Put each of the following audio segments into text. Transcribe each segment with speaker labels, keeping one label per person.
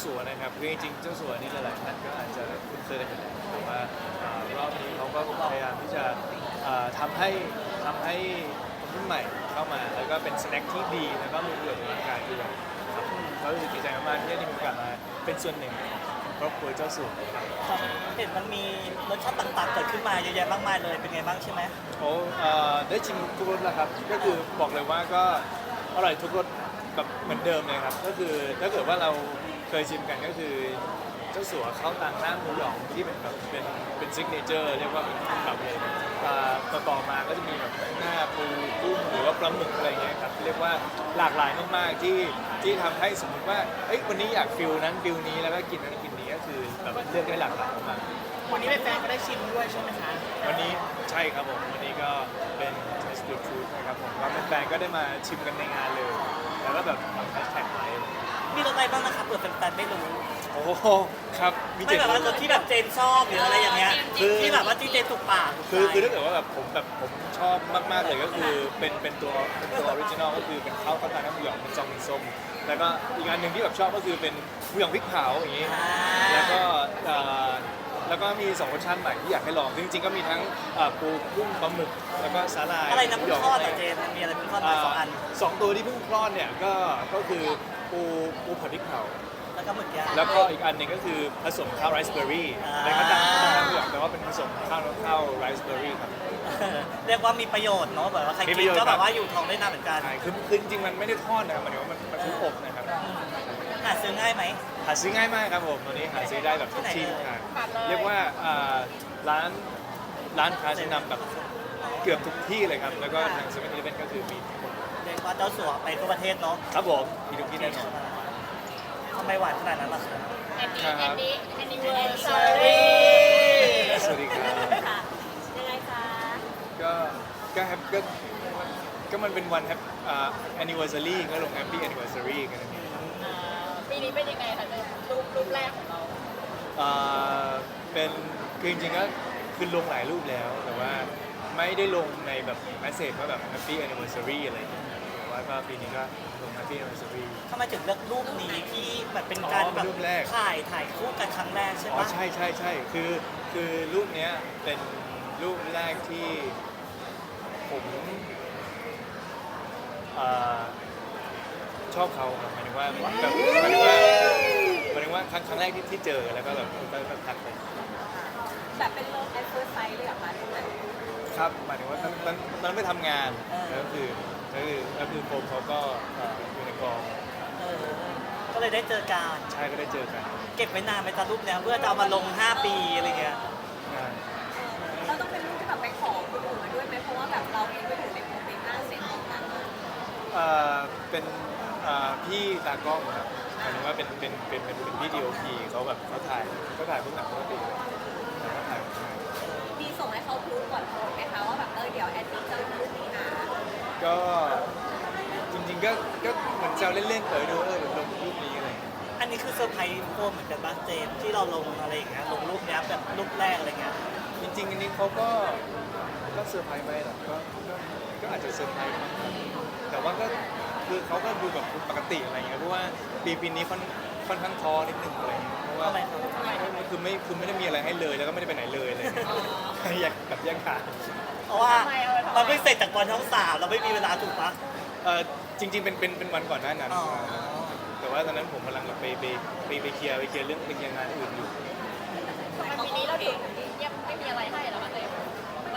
Speaker 1: สัวนะครับคือจริงๆเจ้าสัวนี่หลายๆท่านก็อาจจะคุ้นเคยกันอยู่แล้วแต่ว่ารอบนี้เขาก็พยายามที่จะทำให้คนรุ่นใหม่เข้ามาแล้วก็เป็นสแน็คที่ดีแล้วก็มีประโยชน์ต่อร่างกายด้วยครับก็รู้สึกดีใจมากๆที่ได้มีโอกาสมาเป็นส่วนหนึ่งของครอบครัวเจ้าสัวครับ
Speaker 2: ครับเห็นมันมีรสชาติต่างๆเกิดขึ้นมาเยอะแยะมากมายเลยเป็นไงบ้างใช่ไหม
Speaker 1: โอ้ได้ชิมทุกรสแล้วครับก็คือบอกเลยว่าก็อร่อยทุกรสแบบเหมือนเดิมเลยครับก็คือถ้าเกิดว่าเราเคยชิมกันก็คือเจ้าสัวข้าวตังหน้าหมูหยองที่เป็นแบบเป็นซิกเนเจอร์เรียกว่าเป็นแบบเลยต่อมาก็จะมีแบบหน้าปูกุ้งหรือว่าปลาหมึกอะไรเงี้ยครับเรียกว่าหลากหลายมากๆที่ทำให้สมมติว่าเอ้ยวันนี้อยากฟิลนั้นฟิลนี้แล้วก็กินนั้นกินนี้ก็คือแบบเลือกได้หลากหลายมาก
Speaker 2: วันนี้แฟนๆก็ได้ชิมด้วยใช่ไหมคะ
Speaker 1: วันนี้ใช่ครับผมวันนี้ก็เป็น Taste the Truth นะครับผมก็แฟนๆก็ได้มาชิมกันในงานเลย แล้วก็แบบทำแฮชแท็กไว้
Speaker 2: มีรสอะไรบ้างนะคะเผื่อแฟนๆไม่รู้
Speaker 1: โอ้โหครับมี
Speaker 2: ไม่แบบว่ารสที่แบบเจนชอบหรืออะไรอย่างเงี้ยที่แบบว่าที่เจนถูกปากถูกใจ
Speaker 1: คือถ้าเกิดว่าแบบผมชอบมากๆเลยก็คือเป็นตัวออริจินอลก็คือเป็นข้าวตาน้ำหมูหยองเป็นซองเป็นส้มแล้วก็อีกอันหนึ่งที่แบบชอบก็คือเป็นหมูหยองพริกเผาอย่างงี้แล้วก็มี2รสชาติใหม่ที่อยากให้ลองจริงๆก็มีทั้งปูกุ้งปลาหมึกแล้วก็สาหร่าย
Speaker 2: อะไรนะ
Speaker 1: หมู
Speaker 2: เพิ่
Speaker 1: หย
Speaker 2: ง
Speaker 1: อง
Speaker 2: ทอดเหรอเจนมันมีอะไรเพิ่งทอดมาสองอัน
Speaker 1: สองตัวที่เพิ่งคลอดเนี่ยก็คือปูผัดพริกเผา
Speaker 2: แล้วก็หมึกย่าง
Speaker 1: แล้วก็อีกอันหนึ่งก็คือผสมข้าวไรซ์เบอร์รี่ในข้าวตังน้ำเหลืองแต่ว่าเป็นผสมข้าวไรซ์เบอร์รี่ครับ
Speaker 2: เรียกว่ามีประโยชน์เนาะแบบว่าใคร
Speaker 1: มีป
Speaker 2: กิ
Speaker 1: ระ
Speaker 2: น
Speaker 1: โยชน์
Speaker 2: ก็แบบว่าอยู่ท้องได้นานเหมือนกัน
Speaker 1: ใช่คือจริงๆมันไม่ได้ทอดนะครับหมายถึงว่ามันคืออบนะครับ
Speaker 2: หาซื้อง่ายไหม
Speaker 1: หาซื้อง่ายมากครับผมตอนนี้หาซื้อได้แบบทุกที่ทุกทางเรียกว่าร้านค้าชั้นนำแบบเกือบทุกที่เลยครับแล้วก็ทางเซเว่นอีเลฟเว่นก็คือมีทุกคน
Speaker 2: เรียกว่าเจ้าสัวไปทั่วประเทศเนาะ
Speaker 1: ครับผมมีทุกที่แน่นอน
Speaker 2: ทำไมหวานขนาดนั้นล่ะคะ
Speaker 1: ครับ
Speaker 3: anniversary
Speaker 1: สวัสดีครับ
Speaker 3: ค่ะยังไงคะ
Speaker 1: ก็แฮปก็มันเป็นวันแฮปanniversary ก็ลง happy anniversary กันนั่นเอง
Speaker 3: ปีนี้เป็นยังไงคะรูปแรกของเรา
Speaker 1: เป็นคือจริงๆก็คือลงหลายรูปแล้วแต่ว่าไม่ได้ลงในแบบแมสเซจว่าแบบ happy anniversary อะไรอย่างเงี้ยแต่ว่าก็ปีนี้ก็ลง happy anniversary
Speaker 2: ทำไมถึงเลือกรูปนี้ที่แบบเป็นการแบบ
Speaker 1: รูปแรก
Speaker 2: ถ่ายคู่กันครั้งแรกใช่
Speaker 1: อ๋อ
Speaker 2: ปะ
Speaker 1: ใช่คือรูปเนี้ยเป็นรูปแรกที่ผมชอบเขาครับหมายถึงว่าแบบหมายถึงว่าครั้งแรกที่เจอแล้วก็แบบก็ทักไป
Speaker 3: แบบเป็นเลิฟแอดเฟิร์สไซส์เลยเหรอคะรูปนั้น
Speaker 1: ครับหมายถึงว่าตอนนั้นไปทำงานแล้วก็คือโฟมเขาก็อยู่ในกอง
Speaker 2: เออก็เลยได้เจอกัน
Speaker 1: ใช่ก็ได้เจอกัน
Speaker 2: เก็บไว้นานไหมจ๊ะรูปเนี้ยเพื่อจะเอามาลง 5 ปีอะไรเงี้ย
Speaker 1: งาน
Speaker 3: เราต้องเป็นรูปที่แบบไปขอคนอื่นมาด้วยไหมเพราะว่าแบบเราเองก็อยู่ในโมเมนต์หน้าเซ็ตของมัน
Speaker 1: เป็นพี่ตากล้องครับหมายถึงว่าเป็นพี่ดีโอพีเขาแบบเขาถ่ายพวกหนังปกติแล้วก็ถ่าย
Speaker 3: มีส่งให้เขาพูดก่อนโพสไหมคะว่าแบบเดี๋ยวแอดมินจะลงรูปนี้นะ
Speaker 1: ก็จริงๆก็เหมือนแซวเล่นๆเดี๋ยวลงรูปนี้อะไรอย่างเงี้ย
Speaker 2: อันนี้คือเซอร์ไพรส์โฟมเหมือนกันบ้างเจมส์ที่เราลงอะไรอย่างเงี้ยลงรูปเนี้ยแบบรูปแรกอะไรเงี้ย
Speaker 1: จริงๆอันนี้เขาก็เซอร์ไพรส์ไหมล่ะก็อาจจะเซอร์ไพรส์มั้งครับแต่ว่าก็คือเขาก็ดูแบบปกติอะไรเงี้ยเพราะว่าปีนี้ค่อนข้างท้อนิดนึงอะไรเงี้ยเพราะว่า
Speaker 2: ทำไมครับ
Speaker 1: คือไม่ได้มีอะไรให้เลยแล้วก็ไม่ได้ไปไหนเลยอะไรเลยอยากแบบแยกขาด
Speaker 2: เพราะว่ามันเพิ่งเสร็จจากบอลช่อง3เราไม่มีเวลาถูกปะ
Speaker 1: จริงๆเป็นวันก่อนหน้านั้น
Speaker 2: อ๋อ
Speaker 1: แต่ว่าตอนนั้นผมกำลังแบบไปเคลียร์เรื่องงานอื่นอยู่
Speaker 3: ทำไมปีนี้เราถึงยังไม่มีอะไรให้เหรอคะเต้มัน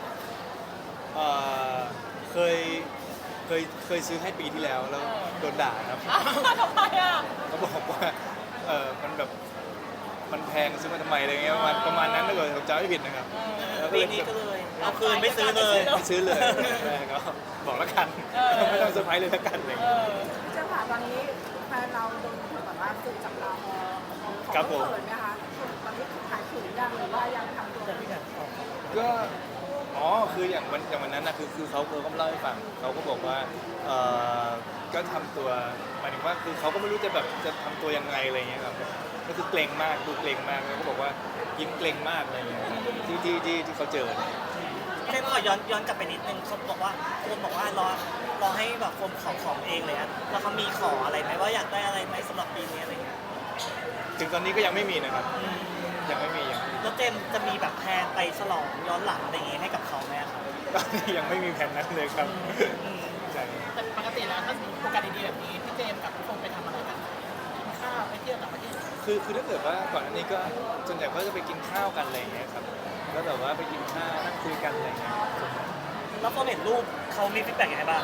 Speaker 1: เคยซื้อให้ปีที่แล้วโดนด่าครับ
Speaker 3: ทำไมอ่ะ
Speaker 1: เขาบอกว่ามันแบบมันแพงซื้อมาทำไมอะไรเงี้ยประมาณนั้นถ้าเกิดผมจำไม่ผิดนะครับแล้ว
Speaker 2: ปีนี้ก็เลยเอาคืนไม่ซื้อเลย
Speaker 1: ไม่ซื้อเลยแม่ก็บอกแล้วกันไม่ต้องเซอร์ไพรส์เลยแล้วกันอะไรเงี้ย
Speaker 4: เจ้าค่ะตอนนี้แฟนเราโดนถูกแบบว่าสื่อจับตามองของ
Speaker 1: ครับผม
Speaker 4: เขินนะคะตอนนี้ขายขืนยังหรือว่ายังทำตัว
Speaker 2: เดี๋ยวพี่กันออก
Speaker 1: ก็คืออย่างวันนั้นนะคือเขาก็มาเล่าให้ฟังเขาก็บอกว่าก็ทำตัวหมายถึงว่าคือเขาก็ไม่รู้จะทำตัวยังไงอะไรเงี้ยครับก็คือเกรงมากดูเกรงมากแล้วก็บอกว่ายิ้มเกรงมากอะไรเงี้ยที่เขาเจอ
Speaker 2: เจมส์ขอย้อนกลับไปนิดนึงเขาบอกว่าโฟมบอกว่ารอให้แบบโฟมของเองเลยอะแล้วเขามีขออะไรไหมว่าอยากได้อะไรไหมสำหรับปีนี้อะไรเงี้ย
Speaker 1: ถึงตอนนี้ก็ยังไม่มีนะครับ ยังไม่มียัง
Speaker 2: แล้วเจมส์จะมีแบบแพลนไปฉลองย้อนหลังอะไรอย่างงี้ให้กับเขาไหมอะครับ
Speaker 1: ตอนนี้ยังไม่มีแผนนั้นเลยครับใช่
Speaker 5: แต่ปกติแล้วถ้าโอกาสดีๆแบบนี้พี่เจมส์กับพี่ฟงไปทำอะไรกันกินข้าวไปเที่ยวต่างประเทศ
Speaker 1: คือถ้าเกิดว่าก่อนอันนี้ก็ส่วนใหญ่ก็จะไปกินข้าวกันอะไรอย่างเงี้ยครับก็แบบว่าไปกินข้าวนั่งคุยกันอะไรอย่างเงี้ย
Speaker 2: แล้วพอเห็นรูปเขามีฟีดแบ็กยังไงบ้าง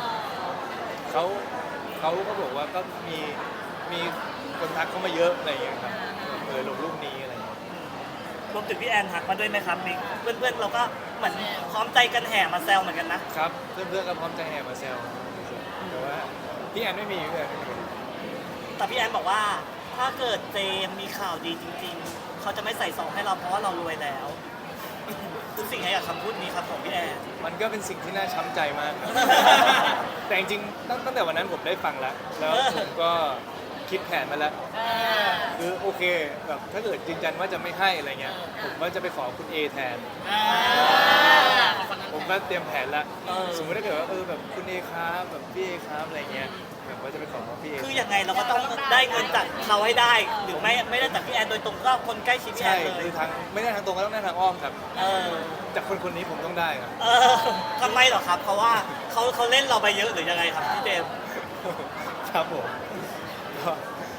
Speaker 1: เขาก็บอกว่าก็มีคนทักเข้ามาเยอะอะไรอย่างเงี้ยครับลงรูปนี้อะไรอย่างเงี้ย
Speaker 2: รวมถึงพี่แอนทักมาด้วยไหมครับมิกเพื่อนๆเราก็เหมือนพร้อมใจกันแห่มาแซวเหมือนกันนะครับ
Speaker 1: เพื่อนๆก็พร้อมใจแห่มาแซวแต่ว่าพี่แอนไม่มีพี่แอนไม่มี
Speaker 2: แต่พี่แอนบอกว่าถ้าเกิดเจมส์มีข่าวดีจริงๆ เขาจะไม่ใส่ซองให้เราเพราะว่าเรารวยแล้ว คือสิ่งไหนกับคำพูดนี้ครับของพี่แอน
Speaker 1: มันก็เป็นสิ่งที่น่าช้ำใจมากครับ แต่จริงๆตั้งแต่วันนั้นผมได้ฟังแล้วผมก็คิดแผนมาแล้วคือโอเคแบบถ้าเกิดยืนยันว่าจะไม่ให้อะไรเงี้ยผมก็จะไปขอคุณเอแทน ผมก็เตรียมแผนแล้วสมมติถ้าเกิดว่าแบบคุณเอครับแบบพี่เอครับอะไรเงี้ยแบบว่าจะไปขอพี่เอ
Speaker 2: คือยังไงเราก็ต้องได้เงินจากเขาให้ได้ หรือไม่ได้จากพี่แอนโดยตรงก็คนใกล้ชิดพี่แอ
Speaker 1: ใช่
Speaker 2: นเลย
Speaker 1: คือทางไม่ได้ทางตรงก็ต้องได้ทางอ้อมครับ
Speaker 2: เออ
Speaker 1: จากคนนี้ผมต้องได้ครับ
Speaker 2: เออทำไมเหรอครับ เพราะว่าเขาเล่นเราไปเยอะหรือยังไงครับพี่เจมส์
Speaker 1: ครับผมก็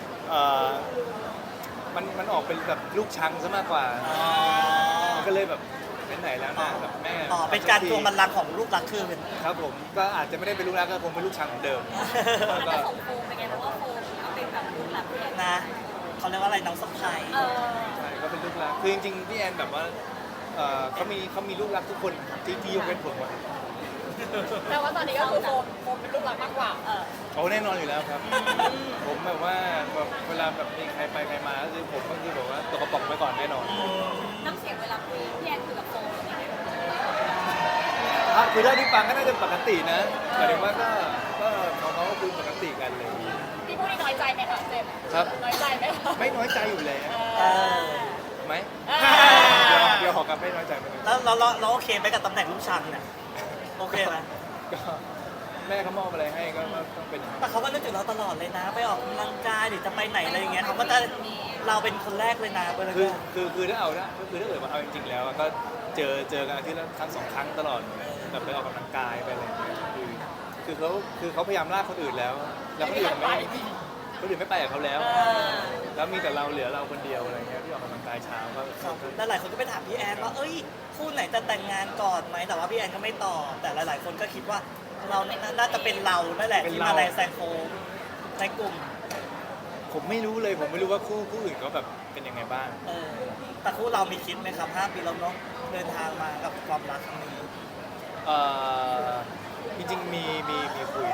Speaker 1: มันออกเป็นแบบลูกชังซะมากกว่า มันก็เลยแบบเป็นไหนแล้วนะแบบแม่
Speaker 2: อ๋อเป็นการทวงบัลลังก์ของลูกรักคืน
Speaker 1: ครับผมก็อาจจะไม่ได้เป็นลูกรักก็คงเป็นลูกชังเหมือนเดิม
Speaker 3: มัน
Speaker 1: ก็
Speaker 3: จะส่งโฟมไปไงเพราะว่าโฟมเอาเป็นแบบรุ่นหลักพี่แอน
Speaker 2: นะเขาเรียกว่าอะไรน้องสะพาย
Speaker 1: ใช่ก็เป็นลูกรักคือจริงๆพี่แอนแบบว่าเขามีลูกรักทุกคนที่ยกเว้นผมอะ
Speaker 4: แต่ว่าตอนนี้ก็คือโฟมเป็นลูกหลักมากกว่า
Speaker 1: โอ้แน่นอนอยู่แล้วครับ ผมแบบว่าแบบเวลาแบบมีใครไปใครมาก็คือผมก็คือแบบว่าตัวกระป๋องไปก่อนแน่นอน
Speaker 3: น้ำเสียงเวลาคุยพี่แอนคุยกับโฟมเป็นยังไง
Speaker 1: ครับคือถ้าที่ฟังก็น่าจะปกตินะหมายถึงว่าก็เขาก็คุยปกติกันเลย
Speaker 4: พี่พูดนี่น้อยใจไหมคะเจมส์
Speaker 1: ครับ
Speaker 4: น้อยใจไหมคะ
Speaker 1: ไม่น้อยใจอยู่แล้ว
Speaker 2: เออ
Speaker 1: ไหม
Speaker 4: อ่า
Speaker 1: เดี๋ยวขอกลับไม่น้อยใจไปเลย
Speaker 2: แล้วเราโอเคไหมกับตำแหน่งลูกชังเนี่ยโอเคไหม
Speaker 1: ก็แม่เขามอบอะไรให้ก็ต้องเป็นอย่างนั้น
Speaker 2: แต่เขาก็นึกถึงเราตลอดเลยนะ ไปออกกำลังกายหรือจะไปไหนอะไรอย่างเงี้ยเขาก็จะเราเป็นคนแรกเลยนะไปเลย
Speaker 1: คือถ้าเอานะคือถ้าเกิดว่าเอาจริงๆแล้วก็เจอกันอาทิตย์ละครั้งสองครั้งตลอดแบบไปออกกำลังกายไปอะไรอย่างเงี้ยคือเขาพยายามลากคนอื่นแล้วคนอื่นไม่ไปกับเขาแล้ว แล้วมีแต่เราเหลือเราคนเดียวอะไรเงี้ยที่ออกกำลังกายเช้าก็
Speaker 2: แล้วหลายคนก็ไปถามพี่แอนว่าเอ้ยคู่ไหนจะแต่งงานก่อนไหมแต่ว่าพี่แอนก็ไม่ตอบแต่หลายๆคนก็คิดว่าเราน่าจะเป็นเรานั่นแหละที่มาแรงแซงโค้งในกลุ่ม
Speaker 1: ผมไม่รู้เลยผมไม่รู้ว่าคู่อื่นเขาแบบเป็นยังไงบ้าง
Speaker 2: แต่คู่เรามีคิดไหมครับ5 ปีแล้วเนาะเดินทางมากับความรักครั้งนี้
Speaker 1: จริงๆมีคุย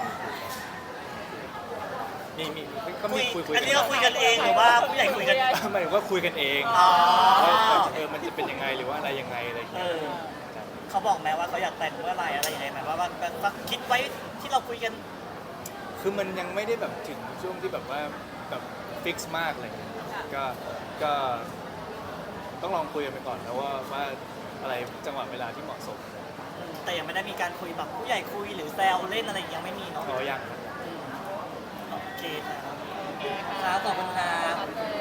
Speaker 1: ก็มีคุย
Speaker 2: อันนี้เราคุยกันเองหรือว่าผู้ใหญ่คุยกัน
Speaker 1: หมายถึงว่าคุยกันเอง
Speaker 2: อ๋อ
Speaker 1: ว่ามันจะเป็นยังไงหรือว่าอะไรยังไงอะไรอย่างเงี้ย
Speaker 2: เขาบอกไหมว่าเขาอยากแต่งเมื่อไหร่อะไรยังไงไหมว่าคิดไว้ที่เราคุยกัน
Speaker 1: คือมันยังไม่ได้แบบถึงช่วงที่แบบว่าแบบฟิกซ์มากอะไรเงี้ยก็ต้องลองคุยกันไปก่อนแล้วว่าอะไรจังหวะเวลาที่เหมาะสม
Speaker 2: แต่ยังไม่ได้มีการคุยแบบผู้ใหญ่คุยหรือแซวเล่นอะไรยังไม่มีเนาะ
Speaker 1: อ๋อยังครับ
Speaker 2: โอเคครับครับขอบคุณครับ